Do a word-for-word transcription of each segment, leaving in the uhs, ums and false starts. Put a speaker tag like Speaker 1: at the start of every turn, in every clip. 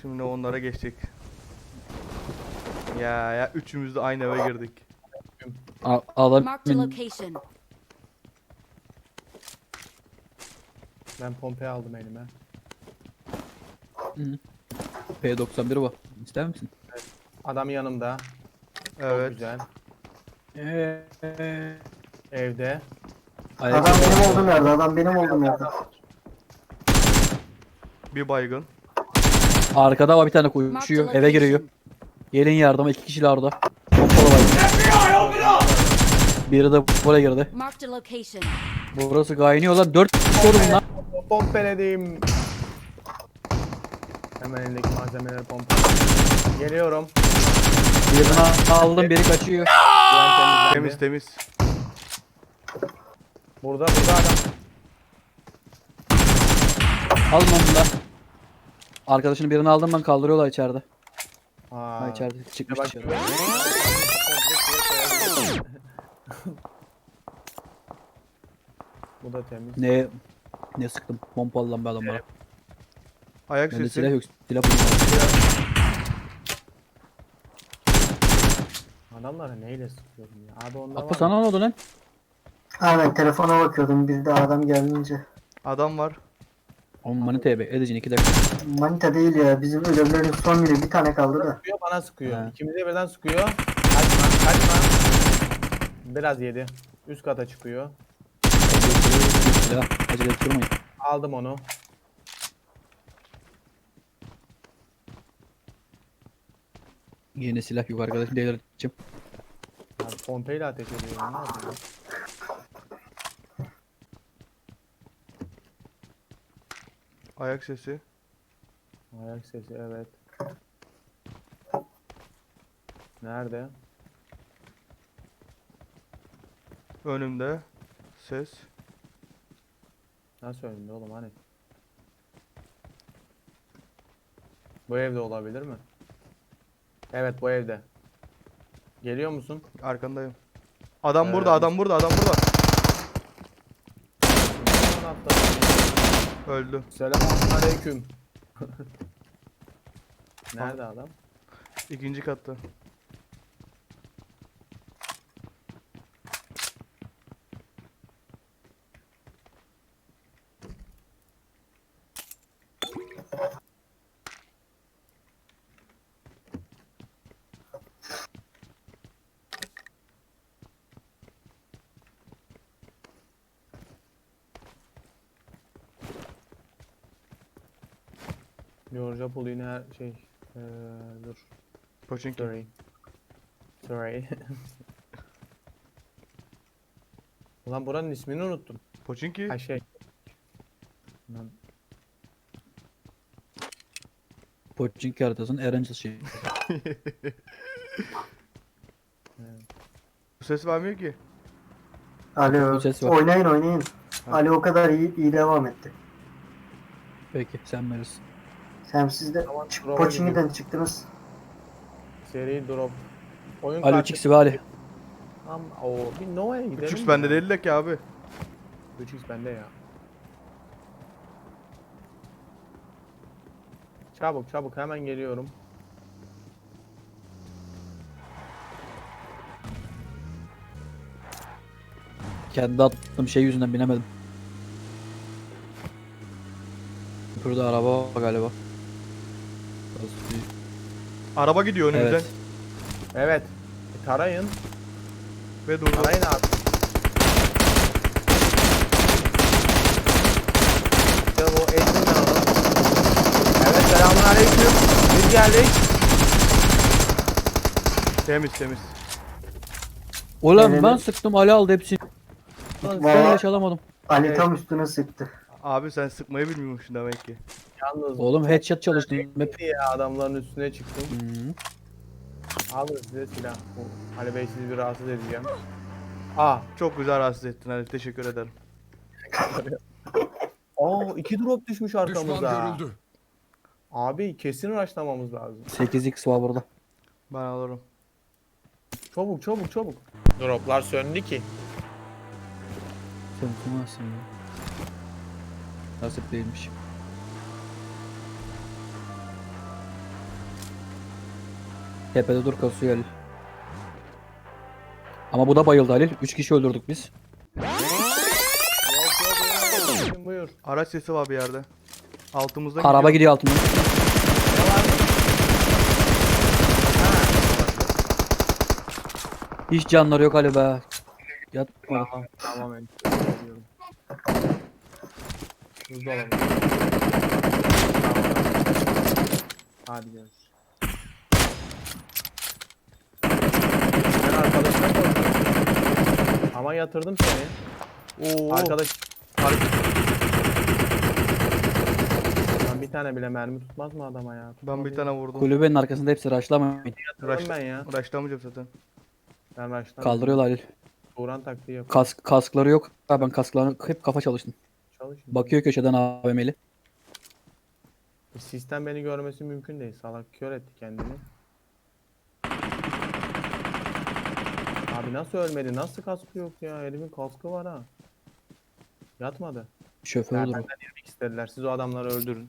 Speaker 1: Şimdi onlara geçecek. Ya ya üçümüz de aynı eve girdik.
Speaker 2: A adam
Speaker 3: Marked a location.
Speaker 4: Ben pompayı aldım elime.
Speaker 2: P doksan bir var. İster misin?
Speaker 4: Adam yanımda. Çok
Speaker 1: Evet.
Speaker 4: güzel.
Speaker 2: Eee.
Speaker 4: Evde.
Speaker 2: Ayak
Speaker 5: Adam benim olduğum yerde, adam benim olduğum yerde.
Speaker 1: Bir baygın.
Speaker 2: Arkada var bir tane
Speaker 3: Marked a
Speaker 2: koşuyor. Eve giriyor.
Speaker 3: location.
Speaker 2: Gelin yardıma, iki kişiler orada. Pompalı var. Biri de buraya girdi.
Speaker 3: Marked a location.
Speaker 2: Burası kaynıyor lan. Dört kişi oldu bunlar.
Speaker 4: Pompeledim. Hemen elindeki malzemeleri pompa. Geliyorum.
Speaker 2: Birini aldım, biri kaçıyor.
Speaker 4: Güven temizlendi.
Speaker 1: Temiz temiz.
Speaker 4: Burada burada adam.
Speaker 2: Alın onu da. Arkadaşının birini aldım ben, kaldırıyorlar içeride.
Speaker 4: Aa.
Speaker 2: Ha, içeride çıkmış
Speaker 4: Bak,
Speaker 2: dışarı.
Speaker 4: güven- Bu da temiz.
Speaker 2: Ne ne sıktım pompalı lan be adamlara.
Speaker 1: Ayak
Speaker 2: Bende
Speaker 1: sesi.
Speaker 2: silah yok. Silah bulamadım.
Speaker 4: Adamlara neyle sıkıyorum ya? Abi onlar
Speaker 2: Atla
Speaker 4: var.
Speaker 2: sana ne oldu lan?
Speaker 5: Aynen telefona bakıyordum bir de adam gelince.
Speaker 1: Adam var.
Speaker 2: Oğlum manita be. Edeceksin iki dakika.
Speaker 5: Manita değil ya, bizim ölümlerin son günü bir tane kaldı da.
Speaker 4: Sıkıyor, bana sıkıyor.
Speaker 2: He.
Speaker 4: İkimize birden sıkıyor. Kaçma kaçma. Biraz yedi. Üst kata çıkıyor.
Speaker 2: Silah. Acele ettirmeyin.
Speaker 4: Aldım onu.
Speaker 2: Yine silah yok arkadaşım. Delirteceğim.
Speaker 4: Abi pompeyle ateş ediyor. Ne yapıyor?
Speaker 1: Ayak sesi.
Speaker 4: Ayak sesi evet. Nerede?
Speaker 1: Önümde. Ses.
Speaker 4: Nasıl önünde oğlum hani? Bu evde olabilir mi? Evet bu evde. Geliyor musun?
Speaker 1: Arkandayım. Adam
Speaker 4: Ee,
Speaker 1: burada, adam burada, adam burada. Öldü.
Speaker 4: Selamünaleyküm. Nerede adam?
Speaker 1: İkinci katta.
Speaker 4: Georgia Pool yine her şey. Ee, dur.
Speaker 1: Poçinki.
Speaker 4: Sorry. Sorry. Ulan buranın ismini unuttum.
Speaker 1: Poçinki.
Speaker 4: Ha şey. Lan,
Speaker 2: Pochinki haritasının Erencil şeyi.
Speaker 1: Bu ses vermiyor ki.
Speaker 5: Alo,
Speaker 2: Bu ses var.
Speaker 5: oynayın oynayın. Ali o kadar iyi, iyi devam etti.
Speaker 2: Peki sen verirsin.
Speaker 5: Sen siz de
Speaker 4: Tamam,
Speaker 5: çık-
Speaker 4: bravo
Speaker 5: Pochinki'den çıktınız.
Speaker 4: Seri drop. Oyun
Speaker 2: Ali
Speaker 4: kartı.
Speaker 2: üç x ve Ali.
Speaker 4: Am o bir Nova'ya gidelim.
Speaker 1: üç x
Speaker 4: mi
Speaker 1: bende
Speaker 4: ya?
Speaker 1: değil de ki abi.
Speaker 4: üç x bende ya. Çabuk çabuk hemen geliyorum.
Speaker 2: Kendi attığım şey yüzünden binemedim. Burada araba var galiba. Burası büyük.
Speaker 1: Araba gidiyor önümüzden.
Speaker 2: Evet.
Speaker 4: Evet. E, tarayın.
Speaker 1: Ve durdu.
Speaker 4: Tarayın abi. İşte bu eğitim kanalı. Evet selamünaleyküm. Biz geldik.
Speaker 1: Temiz temiz.
Speaker 2: Ulan
Speaker 5: Evet.
Speaker 2: ben sıktım, Ali aldı hepsini. Ben
Speaker 5: Valla
Speaker 2: ilaç alamadım.
Speaker 5: Ali
Speaker 4: Evet.
Speaker 5: tam üstüne sıktı.
Speaker 1: Abi sen sıkmayı bilmiyormuşsun demek ki.
Speaker 4: Yalnız
Speaker 2: Oğlum headshot çalıştım hep.
Speaker 4: ya adamların üstüne çıktım.
Speaker 2: Hı.
Speaker 4: Alın size silah. Bu Ali Bey sizi bir rahatsız edeceğim. Aa.
Speaker 1: Çok güzel rahatsız ettin Ali. Teşekkür ederim.
Speaker 4: Oo iki drop düşmüş
Speaker 6: Düşman
Speaker 4: arkamıza.
Speaker 6: görüldü.
Speaker 4: Abi kesin rushlamamız lazım.
Speaker 2: sekiz x var burada.
Speaker 1: Ben alırım.
Speaker 4: Çabuk çabuk çabuk. Droplar söndü ki.
Speaker 2: Sen kumazsın ya. Nasip değilmiş. Tepede dur kasıyor Halil. Ama bu da bayıldı Halil. Üç kişi öldürdük biz.
Speaker 4: Yok yok yok. Buyur.
Speaker 1: Araç sesi var bir yerde. Altımızdan
Speaker 2: Araba
Speaker 1: gidiyor.
Speaker 2: gidiyor altından. Hiç canları yok Ali be. Yatma.
Speaker 4: Tamam tamam ben geliyorum. Buzdolabı. Tamam. Hadi görüşürüz. Ben arkadaşına koydum. Ama yatırdım seni.
Speaker 1: Oo.
Speaker 4: Arkadaş. Arkadaş. Lan bir tane bile mermi tutmaz mı adama ya?
Speaker 1: Ben bir tane vurdum.
Speaker 2: Kulübenin arkasında hepsi raşlamayın.
Speaker 4: Yatırdım ben ya.
Speaker 1: Raşlamayacağım zaten.
Speaker 4: Ben baştan.
Speaker 2: Kaldırıyorlar Halil.
Speaker 4: Turan taktiği yapıyor.
Speaker 2: Kask, kaskları yok. Ha, ben kasklarını hep kafa çalıştım.
Speaker 4: Çalışın.
Speaker 2: Bakıyor köşeden A V M'li.
Speaker 4: Sistem beni görmesi mümkün değil. Salak kör etti kendini. Abi nasıl ölmedi? Nasıl kaskı yok ya? Herifin kaskı var ha. Yatmadı.
Speaker 2: Şoför
Speaker 4: Ya
Speaker 2: olur.
Speaker 4: benden yemek istediler. Siz o adamları öldürün.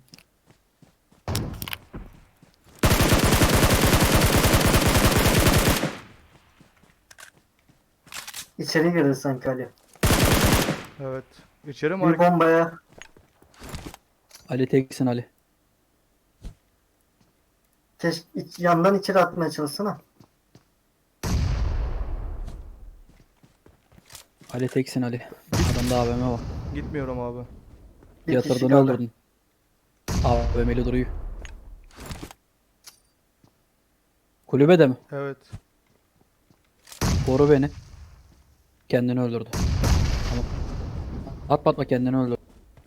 Speaker 5: İçeri girdi sanki Ali.
Speaker 1: Evet. İçeri mi
Speaker 5: Bir
Speaker 1: hareket?
Speaker 5: bombaya
Speaker 2: Ali teksin Ali.
Speaker 5: keş iç- yandan içeri atmaya çalışsana.
Speaker 2: Ali teksin Ali. Adamda A V M var.
Speaker 1: Gitmiyorum abi.
Speaker 5: Bir kişi
Speaker 2: Yatırdın
Speaker 5: kaldı.
Speaker 2: öldürdün. A V M'li duruyor. Kulübede mi?
Speaker 1: Evet.
Speaker 2: Koru beni. Kendini öldürdü. Ama atma atma kendini öldürdü.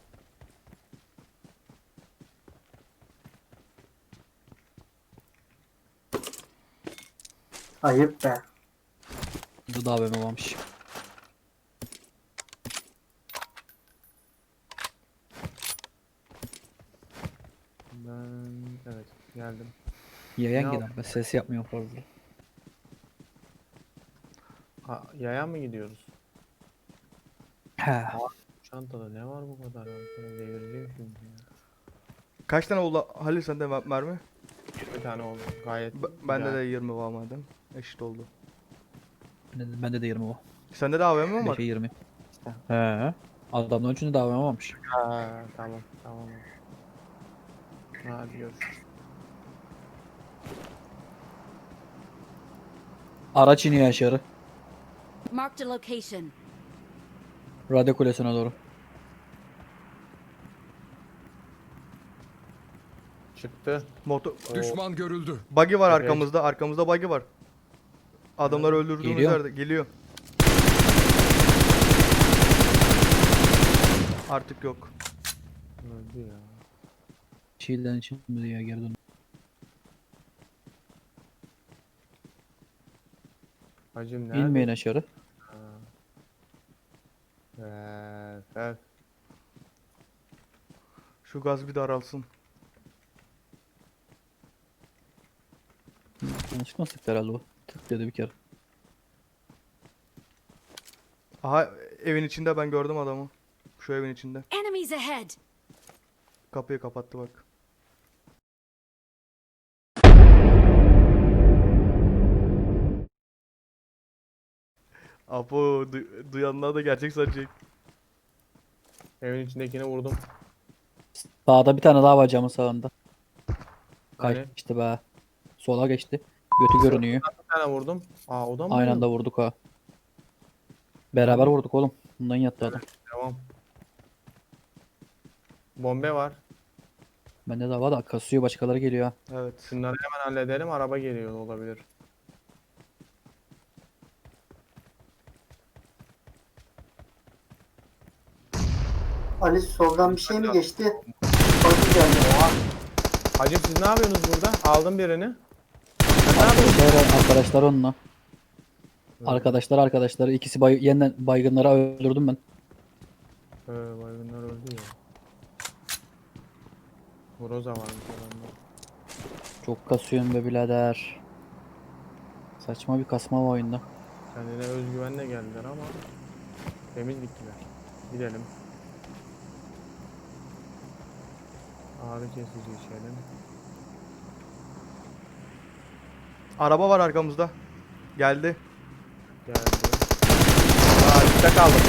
Speaker 5: Ayıp be.
Speaker 2: Bu da A V M varmış.
Speaker 4: Ben evet geldim.
Speaker 2: Yayan
Speaker 4: Ne
Speaker 2: gider. Ben ses yapmıyorum fazla.
Speaker 4: Ha, yaya mı gidiyoruz?
Speaker 2: He.
Speaker 4: Çantada ne var bu kadar? Ben devireceğim şimdi ya.
Speaker 1: Kaç tane oldu Halil sende mer- mermi?
Speaker 4: yirmi tane oldu. Gayet
Speaker 1: B- bende
Speaker 4: güzel.
Speaker 1: de yirmi var madem. Eşit oldu.
Speaker 2: Bende de, bende de yirmi var.
Speaker 1: Sende de A V M mi var?
Speaker 2: beşe yirmi. He. Adamların üçünde de A V M varmış.
Speaker 4: Ha, tamam tamam. Hadi görüşürüz.
Speaker 2: Araç iniyor aşağı.
Speaker 3: Marked a location.
Speaker 2: Radyo kulesine doğru.
Speaker 4: Çıktı.
Speaker 1: Motor.
Speaker 6: Düşman görüldü.
Speaker 1: Buggy var
Speaker 4: Evet.
Speaker 1: arkamızda. Arkamızda buggy var. Adamları öldürdüğümüz
Speaker 2: Geliyor.
Speaker 1: yerde. Geliyor. Artık yok.
Speaker 4: Öldü ya.
Speaker 2: Şiirden için mi diyor geri dön.
Speaker 4: Hacım nerede?
Speaker 2: İnmeyin aşağı.
Speaker 4: Evet, evet.
Speaker 1: Şu gaz bir daralsın.
Speaker 2: Yanlışlıkla sıktı herhalde o. Tık dedi bir kere.
Speaker 1: Aha evin içinde ben gördüm adamı. Şu evin içinde.
Speaker 3: Enemies ahead.
Speaker 1: Kapıyı kapattı bak. Apo du- duyanlar da gerçek sanacak.
Speaker 4: Evin içindekini vurdum.
Speaker 2: Sağda bir tane daha var camın sağında.
Speaker 4: Hani?
Speaker 2: Kaçtı be. Sola geçti. Götü görünüyor.
Speaker 4: Bir tane vurdum. Aa o da mı?
Speaker 2: Aynı
Speaker 4: benim?
Speaker 2: anda vurduk ha. Beraber vurduk oğlum. Bundan yattı adam.
Speaker 4: Devam. Bombe var.
Speaker 2: Bende de var da kasıyor başkaları geliyor ha.
Speaker 1: Evet.
Speaker 4: Şunları hemen halledelim. Araba geliyor olabilir.
Speaker 5: Ali soldan bir şey mi geçti? Bagi geldi.
Speaker 4: Hacım siz ne yapıyorsunuz burada? Aldım birini. Sen ne yapıyorsun?
Speaker 2: Arkadaşlar, arkadaşlar onunla. Arkadaşlar arkadaşları ikisi bay yeniden baygınları öldürdüm ben.
Speaker 4: Ee, baygınlar öldü ya. Groza varmış adamda.
Speaker 2: Çok kasıyorum be birader. Saçma bir kasma var oyunda.
Speaker 4: Kendine özgüvenle geldiler ama temiz gittiler. Gidelim. Ağrı kesici içelim.
Speaker 1: Araba var arkamızda. Geldi.
Speaker 4: Geldi. Aa üstte kaldım.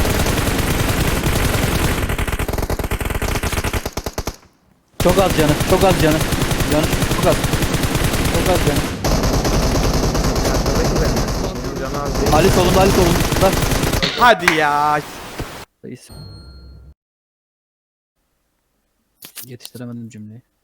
Speaker 2: Çok az canı. Çok az canı. Canı çok az. Çok az canı.
Speaker 4: Arkadaki benim. Benim canı az değil.
Speaker 2: Ali solunda, Ali solunda.
Speaker 1: Hadi ya.
Speaker 2: Reis. Yetiştiremedim cümleyi.